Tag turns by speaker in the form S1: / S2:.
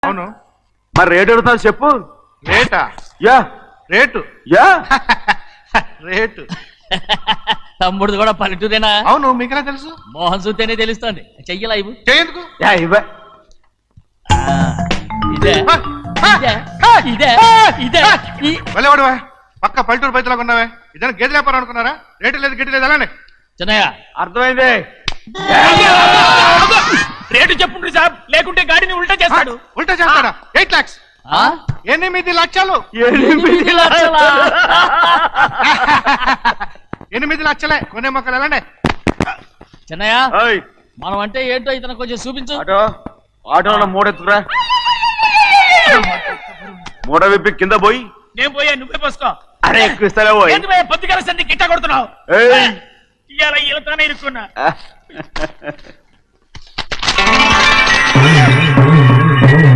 S1: అవును.
S2: మరి రేటు అడుగుతాను చెప్పు.
S1: రేటా?
S2: Yeah
S1: rate
S2: yeah
S1: rate.
S3: తమ్ముడు కూడా పల్లెటూరేనా?
S1: అవును, మీకెలా తెలుసు?
S3: మోహన్ చూస్తేనే తెలుస్తుంది. చెయ్యలా ఇవ్వు.
S1: చేయందుకు.
S2: యా ఇవ్వ.
S3: ఇదే ఇదే ఇదే ఇదే
S1: వెళ్ళేవాడువా, పక్క పల్లెటూరు బయటలాగా ఉన్నావే. ఇదైనా గేదె వ్యాపారం అనుకున్నారా? రేటు లేదు గిట్టు లేదు అలానే.
S3: చిన్నయ్య
S2: అర్థమైంది.
S3: రేటు చెప్పుండ్రి సాబ్, లేకుంటే గాడిని ఉల్టా చేస్తాడు.
S1: ఉల్టా చేస్తాడా? 8 lakhs. 8 లక్షలు.
S3: 8 లక్షలా?
S1: 8 లక్షలే. కొనే మొక్కలు ఎలానే.
S3: చిన్నయ్య
S2: ఓయ్,
S3: మనం అంటే ఏంటో ఇతను కొంచెం చూపించు.
S2: ఆటోలో మూడెత్తుకురా. మూడ విప్పి కింద పోయి.
S3: నేను పోయా, నువ్వే పోసుకో.
S2: అరే ఎక్కువ ఇస్తాలే పోయి.
S3: పొద్దుగల సంది గిట్ట కొడుతున్నావు.
S2: ఏయ్.
S3: ఇవాళ ఈలతోనే ఇరుక్కున్నా.